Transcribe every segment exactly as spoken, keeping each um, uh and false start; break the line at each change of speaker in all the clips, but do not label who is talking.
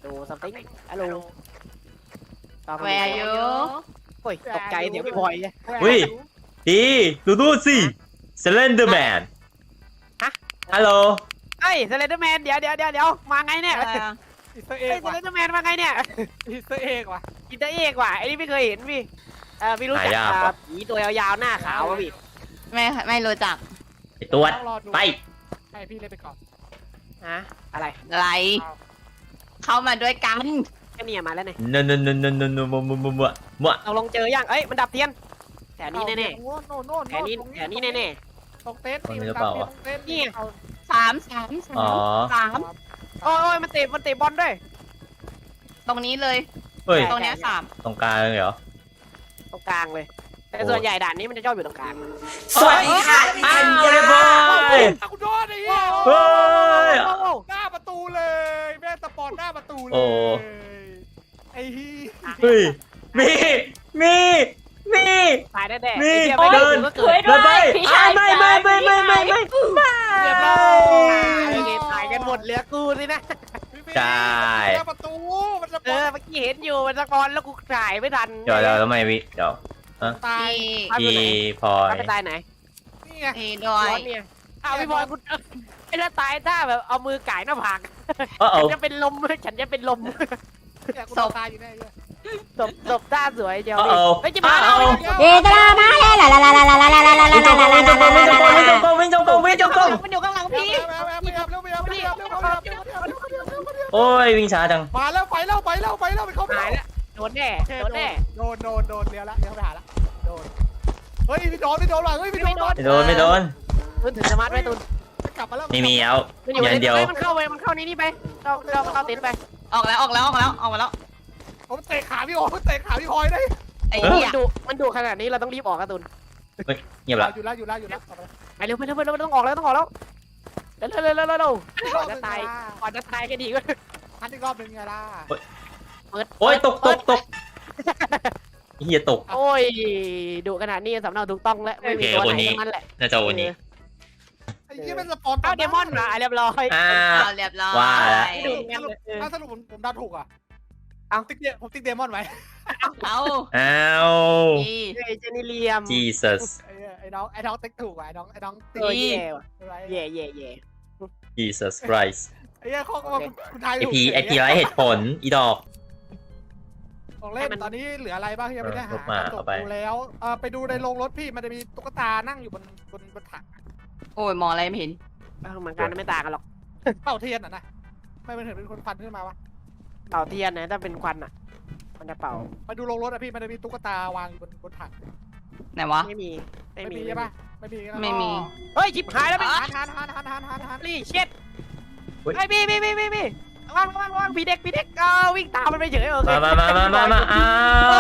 ดูสติ๊กฮัลโหล
แวร์อยู่
โอ้ยตกใจเดี๋ยวพี่บอยเนี่ย
อุ้ยดีดูดูสิสเลนเดอร์แมน
ฮะ
ฮัลโหล
เฮ้ยสเลนเดอร์แมนเดี๋ยวเดี๋ยวเดี๋ยวเดี๋ยวมาไงเนี่ย
อะไรอะ
อิสเตอร์เอ
เฮ้ย
ก
ส
ว่ะ
เลนเดอร์แมนมาไงเนี่ย
อิสเตอร์เอกว่ะ
อินเตอร์เอกว่ะไอ้นี่ไม่เคยเห็นพี่เออพี่รู้จักอ่าผีตัวยาวๆหน้าขาวป่ะพี่
ไม่ไม่รู้จัก
ไอตัว
ต้องรอดู
ไป
ให้พี่เล่นไปก่อน
ฮะอะไร
อะไร เข้ามาด้วยกัน
แค่นี้มาแล้วเนี่ย
นนนนนนมัวมัวมัวมัวมัว
เราลงเจอยังเอ้ยมันดับเทียนแถวนี้แน่
โน่นโน่นโน่น
ๆแถวนี้แถวนี้แน่
ตรงเต็นท์นี่ตรงเต็นท์นี่เอา
สามสามสา
อ๋อ
มสาม
ๆโอ้ยมันเตะมันเตะบอลด้วย
ตรงนี้เลย
เฮ้ย
ตรงเนี้ยสาม
ตรงกลางเลยเหรอ
ตรงกลางเลยแต่ส่วนใหญ่ด่านนี้มันจะชอบอยู่ตรงกลาง
สวัสดีค่ะอ้าวเรียบร้อย
กูโดนไอ้เหี้ย
เฮ้ย
โอ้โห
หน้าประตูเลยแม่สปอนหน้าประตูเลย
โอ้
ไอ้เหี้ย
เฮ้ยมีมีมี
ตายแน่ๆ
มี
ไอ้เหี้ยไม่ได้
เดิน
ถึงก็เกิด
เดินไปอ้าวไม่ไม่ไม่ไม่ไม่ไม่
เรียบร้อยโอเคตายกันหมดเหลือกูสินะ
ใช่
หน้าประตูมันสป
เอ
อน
อเมื่อกี้เห็นอยู่มันสปอนแล้วกูถ่ายไม่ทัน
เดี๋ยวเดี๋ยวทำไมวิเดี๋ยว
ตาย
พี่
พี่พลอย
ไปตายไหน
นี่ไง
พี่ด้ว
ร้อย นเนี่ยอ้าวพี่บอยคุณไอ้ถ้าตายถ้าแบบเอามือก่ายหน้าผาก
เออ
ฉั
เอา
นจะเป็นลมฉันจะเป็นลม
เนี่ยกูตายอยู่แน่เลย
ศพศพท่าสวยเจียว
เอา
เฮ้ยจะมา
เอา
แล้ว
เดตรามาเฮลาลาลาลาลาลาลาลาลาลาลาลาลาลาลาลา
วิ่งจงกรมวิ่งจงกรมวิ่งจงกรมวิ่งจงกรมวิ่งจงกรม
มันอยู่ข้างหลัง
พี่
พี่
แมวแมวไม่เอาเร็วไม่เอาไม่เอาเร็วไม่เอาเร็วไม่เอาเร็วไม่เอาเร็วไม่เอา
โอ้ยวิ่งช้าจัง
มาแล้วไปแล้วไปแล้วไปแล้วไปเข้าไป
หายแล้วโดนแน่โดนแน่
โดนโดนโดนเลี้ยวละเลี้ยวไปหาละโดนเฮ้ยพี่โดนพี่โดนหลังเฮ้ยพี่โดน
ไม่โดนไม่โดน
ตุนถึงสมาร์ทไว้ตุน
กลับมาแล้ว
ไม่มีแล้ว
มันอยู่
ยั
ใน
นเดียว
มันเข้าไปมันเข้านี่นี่ไปเราเราเราติดไป
ออกแล้วออกแล้วออกแล้วออกมาแล้ว
ผมเตะขาพี่โอ้เตะขาพี่พลอยได้
ไอ้
มัน
เหี้ย
ดุมันดุขนาดนี้เราต้องรีบออกกันตุน
เงียบละ
อยู่แล้วอยู่แล้วอยู่แล้ว
ไปเร็วไปเร็วไปเร็วต้องออกแล้วต้องออกแล้วเร็วเร็วเร็วเร็วเร็วก่อนจะตายก่อนจะตายก็ดีก็
ทันอีกรอบหนึ่งไงล่ะ
เปิด
โอ้ยตกตกตกเฮียตก
โอ้ยดุขนาดนี้สำเนาถูกต้องแล้วไม่มีตัวไหนทั้งนั้นแหละ
น่าจะวันนี้
ไอ้ที่เป็นสปอน
เอาเดมอนมาเรียบร้อย
อ้า
เอาเรียบร้อย
ว่าแล้ว
ไม่ดูงั้นเลย
ถ้าสรุปผมผมเดาถูกอ่ะเอาติ๊กเดียผมติ๊กเดมอนไว้
เอา
อ้าว
พี่
เฮ้ยเจนิเลียม
Jesus
ไอ้ไอ้น้องไอ้น้องติ๊กถูกไอ้น้องไอ้น้องติ๊ก
เออแย่ว่ะ
ไร
แย่แย่แย่
Jesus Christ
ไอ้เหี้ยข้อก็ว่าคุณทาย
ไอพีไอพีไร้เหตุผลอีดอก
ของเล่นตอนนี้เหลืออะไรบ้างที่ยังไม่ได้หา
ลบมา
จ
เอา
บ
ไป
ดูแล้วเออไปดูในโรงรถพี่มันจะมีตุ๊กตานั่งอยู่บนบนบนถัง
โอ้ยมองอะไรไม่เห็น
เหมือนกันไม่ต่างกันหรอก
เป่าเทียนอ่ะนะไม่เป็นเห็นเป็นคนควันขึ้นมาวะ
เป่าเทียนนะถ้าเป็นควันอ่ะ มันจะเป่า
มาดูโรงรถอ่ะพี่มันจะมีตุ๊กตาวางอยู่บนบนถัง
ไหนวะ
ไม่มี ไม่
ไม่
มี
มีใช่ปะไม่มี
ไม่มี
เฮ้ยชิบหายแล้วพี่
หันหันหันหันหันหันหัน
รีเช็ดไอ้พี่พี่พี่พี่พี่ว่างว่างว่างพี่เด็กพี่เด็กเอาวิ่งตามมันไปเฉยโอเค
มามามามามามาอ้าว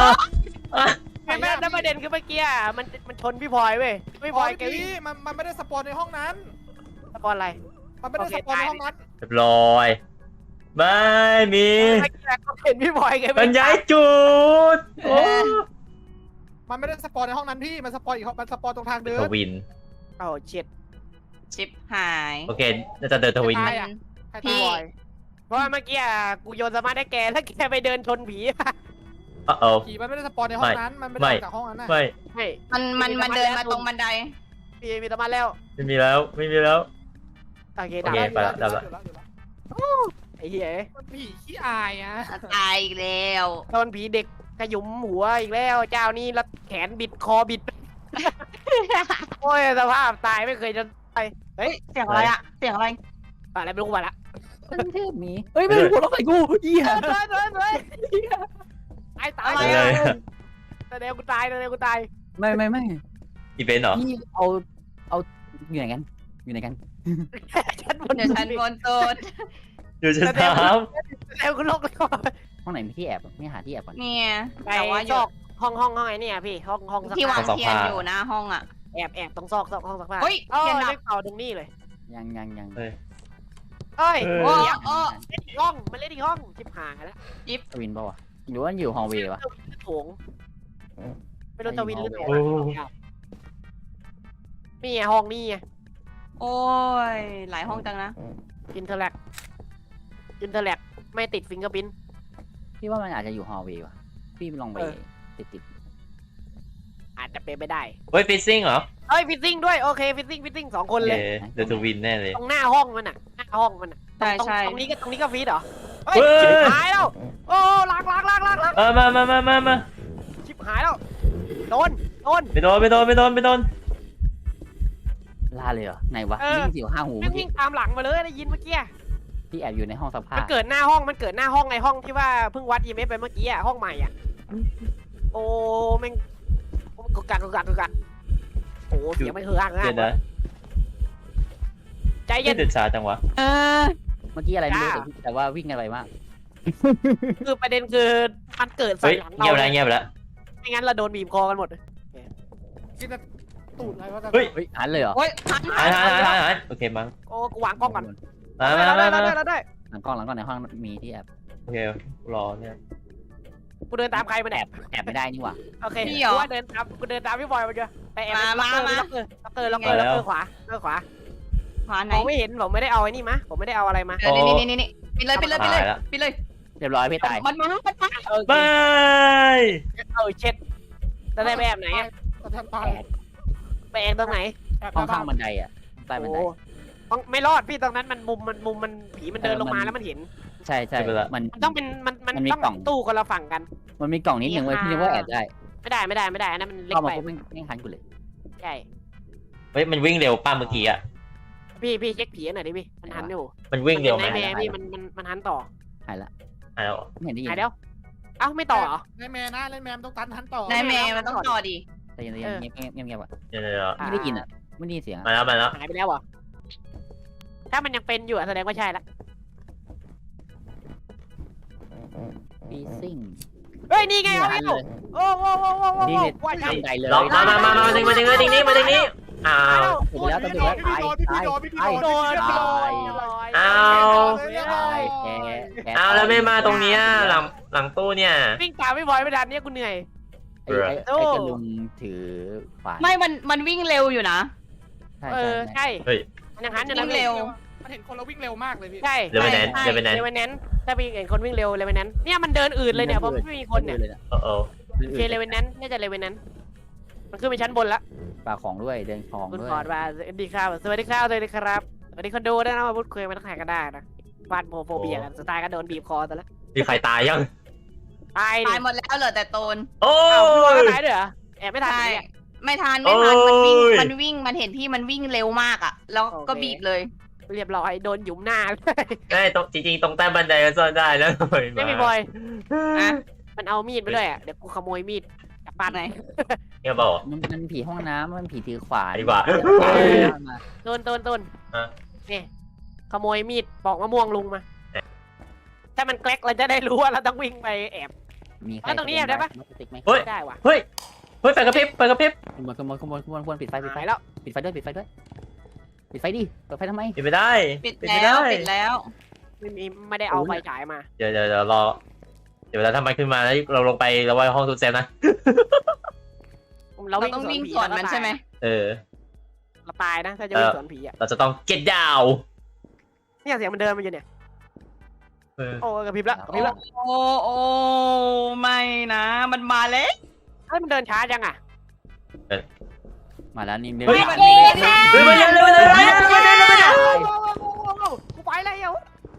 ไม่ไม่แล้วประเด็นคือเมื่อกี้มันมันชนพี่พลอยเว้ยพี่พ
พ
ล
อ
อย
ย
แก
พี่มันมันไม่ได้สปอนในห้องนั้น
ตะกอนอะไร
มันไม่ได้สปอนในห้องนั้น
เรียบร้อยไม่มี
เมื่อกี้ก็เห็นพี่พลอยแก
บรรยายจุดโอ้
มันไม่ได้สปอนในห้องนั้นพี่มันสปอนอีกห้องมันสปอนตรงทางเดิ
ท
น
วิน
โอ้เช็ด
ชิปหาย
โอเคน่าจะเดินทวิน
ใค
มั
ร
น
อะ ใคร
พี่
ตาย
เพราะว่าเมื่อกี้กูโยนสมาร์ทให้แกแล้วแกไปเดินชนผี
เออเออ
ผีมันไม่ได้สปอนในห้องนั้น มันไม่ได้
ไม่
ออกจากห้องนั้นนะ
ไม่
ไม่
มันมันมันเดินมาตรงบันได
พี่มีสมาร์ทแล้ว
ไม่มีแล้วไม่มีแล้ว
โอเค
โอ
ดับ
เค
อยู่
ไปละ
อยู่
ดับละ
อยู่อยู่แล้ว
ไอ้เหี้ย
มันผีขี้อายอ่ะ
ตายอีกแล้ว
โดนผีเด็กขยุมหัวอีกแล้วเจ้านี่แล้วแขนบิดคอบิด โอ้ยสภาพตายไม่เคยจะตายเฮ้ย
เสียงอะไรอะเสียงอะไร
อะไรไม่รู้มาละ
เป็นเทพมีเฮ้ยไม่หัวเราะใส่กูเหี้ย
เฮ้ยเฮ้ยเฮ้ยตายตาย
อะไรอะ
แสดงกูตายแสดงกูตาย
ไม่ไม่ไม่
อีเวนต์เหรอ
นี่เอาเอาอยู่ไหนกันอยู่ไหนกัน
ฉันบน
เดี๋ยวฉันบนโต๊ะ
อยู่ชั้นสาม
แสดงกูลกแล้ว
ห้องไหนมีที่แอบไม่หาที่แอบก่อน
เนี่ย
ไป
แต่ว่าอ
ซ
ยู่
อกห้องห้องห้องไอ้เนี่ยพี่ห้องห้องสัก
ที่วาง
ผ้า
เทียนอยู่หน้าห้องอะ
แอบแอบตรงซอกซอกห้องสักผ้า
เฮ้ย
เอ้
เทียน
ย
ดับ
ไม่เป่าตรงนี้เลย
ยังยังยัง
เฮ้ย
เอ้ย
เออ
โอ้
เดี๋ยว
โอ้
เล่นอีกห้องมันเล่นอีกห้องชิบหายแล้ว
ทวินป่าวะหรือว่าอยู่ฮอลเวย์วะ
โถงไม่รู้จะวินหรือเปล่า
โอ้
นี่ไงห้องนี่ไง
โอ้ยหลายห้องจังนะ
อินเทอร์แลกอินเทอร์แลกไม่ติดฟิงเกอร์พิ้น
พี่ว่ามันอาจจะอยู่ฮอลเวย์ว่ะพี่ลองไป
เออ
ติดติด
อาจจะเป็นไปได้
เฮ้ยฟิซซิ่งเหรอ
เอ้ยฟิตติ้งด้วยโอเคฟิตติ้งฟิตติ้งสองคนเลย
เออเดอะทูวินแน่เลย
ตรงหน้าห้องมันอ่ะหน้าห้องมันอ่ะ
ใช่
ตรง
ใช่
ตรงนี้ก็ตรงนี้ก็ฟีดเหรอเฮ้ย
เฮ้ย
ชิบหายแล้วโอ้ล้างล้างล้างล้างล้าง
เออมามามามามา
ชิบหายแล้วโดนโดน
ไปโดนไปโดนไปโดนไปโดน
ล่าเลยเหรอไหนวะ
เออ
วิ่งเสียวห้าหู
แม่
เมื่อกี้
งวิ่งตามหลังมาเลยได้ยินเมื่อกี้
พี่แอบอยู่ในห้องสภา
มัน
พ
เกิดหน้าห้องมันเกิดหน้าห้องไงห้องที่ว่าเพิ่งวัด อี เอ็ม เอฟ ไปเมื่อกี้อ่ะห้องใหม่อ่ะโอ้แม่งกุกกักกุกกักกุกกักโอ้เสียงไม่เฮือก
เดี๋ยวนะ
ใจเย็
นี่
น
เดือดช้าจังวะ
เออ
เมื่อกี้อะไรไม่รู้
จ้า
แต่แต่ว่าวิ่งกันไปมาก
คือประเด็นคือมันเกิดใส่
เฮ้ย
หลัง
เงียบ
เรา
แล้วเงียบแล้ว
ไม่งั้นเราโดนบีบคอกันหมด
กินแต่ตูดอะไรวะ
เฮ้ย
เฮ้ยหันเลยเหรอ
โอ้ยทัน
หายหายหายหายหายโอเคมั้ง
โอ้กูวางกล้องก่อน
มา
เรา
มา
ได้
มา
เรา
มา
ได้เราได้
หลังกล้องหลังกล้องในห้องมีที่แอบ
โอเครอเนี่ย
กูเดินตามใครมา
แอ
แอ
บบ แอบไม่ได้นี่หว่า
โอเคกูว่าเดินตามกูเดินตามพี่บอยมาเจอแต่แอบล็อกเกอร์ล็อกเกอร์ล็อกเกอร์ล็อกเกอร์ล็อกเกอร์ขวาล็อกเกอร์ขวา
ขวาไหน
มองไม่เห็นผมไม่ได้เอาไอ้นี่มาผมไม่ได้เอาอะไรมา
เออนี่นี่นี่นี่ปิดเลยปิดเลยปิดเลยปิดเลย
เรียบร้อยพี่ตาย
มันมามันมา
เออ
บาย
เออเช็ดจะได้ไปแอบไหนอะ
แทบตาย
แอบ
ไปแอบตรงไหน
แอบ
ห้อง
บ้า
ข้างบันไดอ่ะใต้บันได
โอ้ต้องไม่รอดพี่ตรงนั้นมันมุมมันมุมมันผีมันเดินลงมาแล้วมันเห็น
ใช่ใช่มัน
มันต้องเป็นมันมัน
มันมี
ต้อง
กล่อง
ตู้คนละฝั่งกัน
มันมีกล่องนิดนึงเว้ยพี่นึกว่าแอบได้
ไม่ได้ไม่ได้ไม่ได้อันนั้นมันเล็ก
เข้ามา
ไป
ปุ๊บไม่ไม่หันกูเลย
ใช่
เฮ้ยมันวิ่งเร็วป้าเมื่อกี้อ่ะ
พี่พี่เช็คผีหน่อยดิพี่มันหันอยู่
มันวิ่งเร็วไหม
นเป็นไนท์แมร์พี่มันมันมันหันต่อ
หายละ
หายแล้ว
ไม่เห็นได้ยิน
หายแล้วเอ้าไม่ต่อเหรอ
เล่นแมนนะเล่นแมนต้องตันทันต่อ
นายแม่มันต้องต่อดี
แต่ยังยังเงียบเงียบเงียบเงียบอ่ะ
เดี๋ยวเดี๋ยวเดี๋ยว
ไม่ได้ยินอ่ะไม่ได้ยินเสียง
มาแล้วมาแล้ว
หายไปแล้วเหรอถ้ามันยังเป็นอยู่อะแสดงว่าใช่ละ
ฟีซิ่ง
เฮ้ยนี่ไงเอา
หั
พี่
นเลย
โอ้โหโอ้โหโอ้โห
นี่เลย
ว่าใช่
บันไดเลย
ลองมามามามามาดึงมาดึงมาดึงนี้มาดึงนี้อ้าว
ถูกแล้วต้องดูแล้วตายตาย
โดน
ตาย
โดน
อ้าว
ตายแพ้แพ้
อ้าวแล้วไม่มาตรงเนี้ยหลังหลังตู้เนี่ย
วิ่งตามไม่บอยไม่ทันเนี่ยกูเหนื่อย
ไอ้ไอ้ไอ้กระลุงถือขวาน
ไม่มันมันวิ่งเร็วอยู่นะ
ใช่
เอ
ใช่
อ
ใช่
ใช่
เฮ้ย
มันยังหันอยู่
วิ่
นะ
งเร็ว
มันเห็นคนเราวิ่งเร็วมากเลยพี่
ใช่
เลเวนแนนเลเวนแนน
เลเวนแนนถ้าพี่เห็นคนวิ่งเร็วเลเวนแนนเนี่ยมันเดินอื่นเลยเนี่ยเพราะไม่มีคนเนี่ย
เลยนะ
โอ้โห
โอเคเลเวนแนนน่าจะเลเวนแนนมันขึ้นไปชั้นบนละ
ปากของด้วยเดินของ
คุณ
ด้วย
ขอดว่าสวัสดีครับสวัสดีครับสวัสดีครับสวัสดีคนดูด้วยนะมาพูดคุยมาทักทายกันได้นะฟาดโมโฟเบียกันสุดท้ายก็โดนบีบคอซะแล้ว
มีใครตายยัง
ตายดิ
ตายหมดแล้วเหลือแต่โตน
โอ้
อ้าวพี่บอย
ย
ก็ตายด้วยเหรอแอบไม่ทัน
ใช่
เลย
ไม่ทันไม่ทันมันวิ่ง
โอ้ย
มันวิ่งมันเห็นพี่มันวิ่งเร็วมากอ่ะ แล้วก็บีบเลย
เรียบร้อยโดนหยุมหน้า
ใช่ตรงจริงๆตรงใต้บันไดก็ซ่อนได้แล้ว
ไม่มีบอย
อ่ะ
มันเอามีดไปด้วยอ่ะเดี๋ยวกูขโมยมีดกลับบ้าน
ไหน
เนี่ยบอก
มันมันผีห้องน้ำมันผีถือขวาน
ดีกว่า
ต้นต้นต้น
ฮะ
นี่ขโมยมีดปอกมะม่วงลุงมาถ้ามันแกลกเราจะได้รู้ว่าเราต้องวิ่งไปแอบ
มีใคร
แล้วตรงนี้แอบได้ปะ
ติ๊กไหม
เฮ้ย
ไม่ได้ว่ะ
เฮ้ยเฮ้ยไฟกระพริบไฟกระพริบ
ขโมยขโมยขโมยขโมยขโมยปิดไฟปิดไฟ
หายแล้ว
ปิดไฟด้วยปิดไฟด้วยปิดไฟดิเปิดไฟทำไม
ปิดไม่ได้
ปิด
ไม่
แล้ว
ได้
ปิดแล้ว
ไม่มีไม่ได้เอาไฟฉายมา
เดี๋ยวเดี๋ยวเดี๋ยวรอเดี๋ยวเวลาถ้ามันขึ้นมาแล้วเราลงไปเราไว้ห้องทุกเซฟนะ
เรา
เราต้องวิ่งสวนมันใช่ไหม
เออ
เราตายนะถ้าจะวิ่งสวนผีอ่ะ
เราจะต้อง get down
เนี่ยเสียงมันเดินมาอยู่เนี่ย
เออ
โอ้กระพริบละกระพริบละ
โอ้โอ้ไม่นะ มันมาแล้ว
เฮ้ยมันเดินช้าจังอ่ะ
มาแล้วนี่เดิน
เฮ้ย
โอ้ค่ะ
เฮ้ยมาเร็วเร็วเร็วเร็วเร็วเร็วเร็วเร็ว
กูไปแล้ว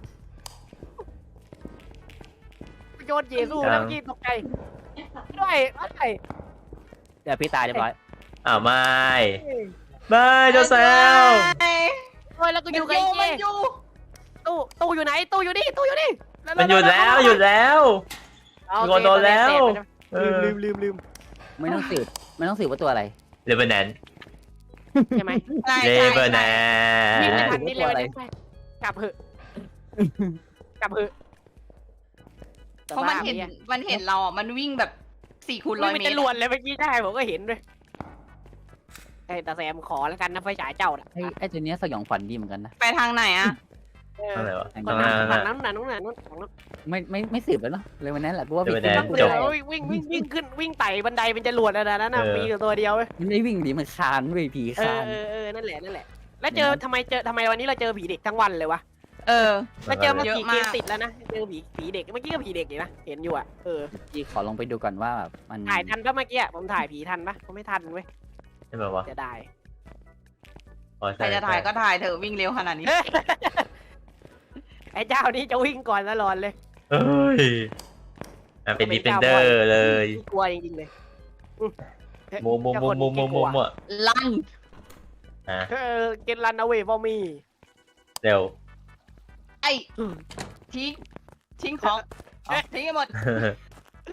โยนเยซูแล้วเมื่อกี้ตกใจด้วยอะไร
เดี๋ยวพี่ตายเรียบร้อย
อ้าวไม่ไม่เจ้าแซว
เฮ้ยแล้วกูอยู่กับไอ้
มั
เจ๊
นอยู่
ตู้ตู้อยู่ไหนตู้อยู่นี่ตู้อยู่นี่
มันหยุดแล้วหยุดแล้ว มีคนโดนแล้ว เออ
ลืมลืมลืม
ไม่ต้องสืบไม่ต้องสืบว่าตัวอะไร
เลเวนแนน
ใช่ไหม
ใช่
เล
ใช่
เวนแน
นี่ไม่
น
ทันนี่เลยวันนี้กลับเหอะกลับเหอะ
เพราะมันเห็นมันเห็นเราอ่ะมันวิ่งแบบสี่คูณร้อย
มัน
เม
จะ
ตร
ลวนเลยเมื่อกี้ได้ผมก็เห็นด้วยไอ้ตาแซมขอแล้วกันนะไฟฉายเจ้าน่ะ
ไอ้ไอ้ตัวเนี้ยสยองขวัญดีเหมือนกันนะ
ไปทางไหนอ่ะ
อะไรวะ
ฝั่งนั้นฝั่งนั้นฝั่งนั้นฝั่งนั้นฝั่งนั้น
ไม่ไม่ไม่สืบแล้วเนาะเลยวันนั้นแหละกูว่า
เดี๋ยว
พี่
ไปแดน
กู
เดี๋ยว
ได้
วิ่งวิ่งวิ่งขึ้นวิ่งไต่บันไดเป็นจรวดแล้วนะนั่นน่ะ
เออ
มีอยู่ตัวเดียวเว้ย
มันไม่วิ่งดิมันคานเว้ยผี
เอ
คา
อน เออเออนั่นแหละนั่นแหละแล้วเจอทำไมเจอทำไมวันนี้เราเจอผีเด็กทั้งวันเลยวะ
เออ
แล้วเจอมา
เยอะ
ผี
มาก
เกมติดแล้วนะเจอผีผีเด็กเมื่อกี้ก็ผีเด็กนี่นะเห็นอยู่อ่ะเออ
พี่ขอลองไปดูก่อนว่าแบบมัน
ถ่ายทันปะเมื่อกี้อะผมถ่ายผีทันปะผมไม่ทันเว้ย
ใช่ไหมวะ
จะได้
อ๋อ
ใคร
ใช่
จะถ่ายก็ถ่ายเถอะวิ่งเร็วขนาดนี้
ไอ้เจ้านี่จะวิ่งก่อนตลอดเลย
เอ้ยอ่ะเป็นดีเฟนเดอร์เลย
กลัวจริงๆเลยอืม
โมโมโมโมโมโมโม
ลั่น
อ่ะ
เออเกนรันเอาเวฟอมี
เร็ว
ไอ้ทิ้งทิ้งของเอาทิ้งให้หมด